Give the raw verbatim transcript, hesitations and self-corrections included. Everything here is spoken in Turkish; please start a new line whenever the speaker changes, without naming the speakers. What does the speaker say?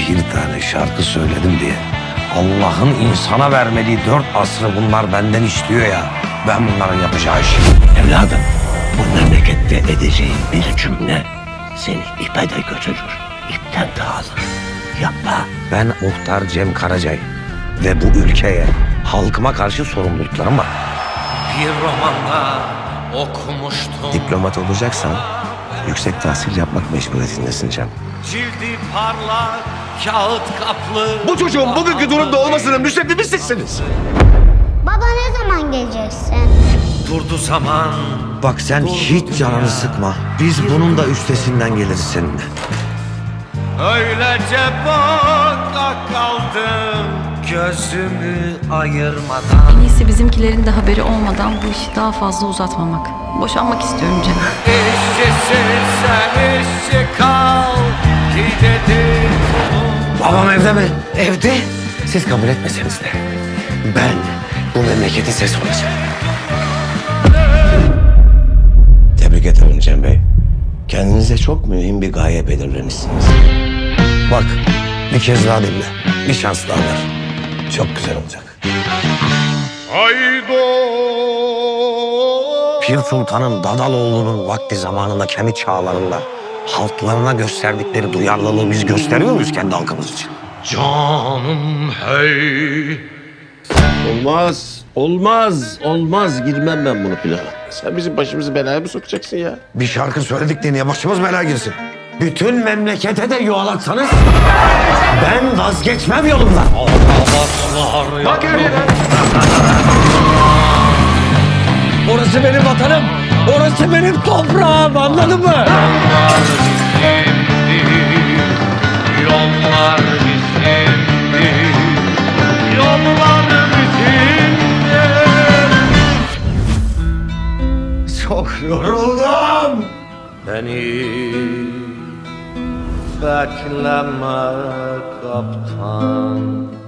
bir tane şarkı söyledim diye Allah'ın insana vermediği dört asrı bunlar benden istiyor ya. Ben bunların yapacağı işi.
Evladım, bu memlekette edeceğin bir cümle seni ipe de götürür, ipten de alır. Yapma.
Ben muhtar Cem Karacay ve bu ülkeye, halkıma karşı sorumluluklarım var.
Bir romanda okumuştum.
Diplomat olacaksan yüksek tahsil yapmak mecburiyetindesin Cem.
Cildi parlak, kağıt kaplı.
Bu çocuğun bugünkü durumda olmasının müsebbibi sizsiniz.
Baba ne zaman geleceksin?
Durdu zaman.
Bak sen hiç canını sıkma. Biz bunun da üstesinden geliriz seninle.
Öylece baka kaldım, gözümü ayırmadan.
En iyisi bizimkilerin de haberi olmadan bu işi daha fazla uzatmamak. Boşanmak istiyorum Cem.
İşçisin sen, işçi kal ki dedi.
Babam evde mi? Evde. Siz kabul etmeseniz de ben bu memleketin sesi olacağım.
Tebrik ederim Cem Bey. Kendinize çok mühim bir gaye belirlemişsiniz.
Bak bir kez daha dinle. Bir şans daha ver. Çok güzel olacak. Pir Sultan'ın Dadaloğlu'nun vakti zamanında kendi çağlarında halklarına gösterdikleri duyarlılığı biz gösteriyor muyuz kendi halkımız için?
Canım hey.
Olmaz, olmaz, olmaz. Girmem ben bunu plana. Sen bizim başımızı belaya mı sokacaksın ya?
Bir şarkı söyledik diye niye başımız belaya girsin? Bütün memlekete de yuvalatsanız ben vazgeçmem yolumdan.
Bak
Orası benim vatanım. Orası benim toprağım, anladın mı?
Yollar bizimdi, yollar bizimdi.
Çok yoruldum.
Beni bekleme kaptan.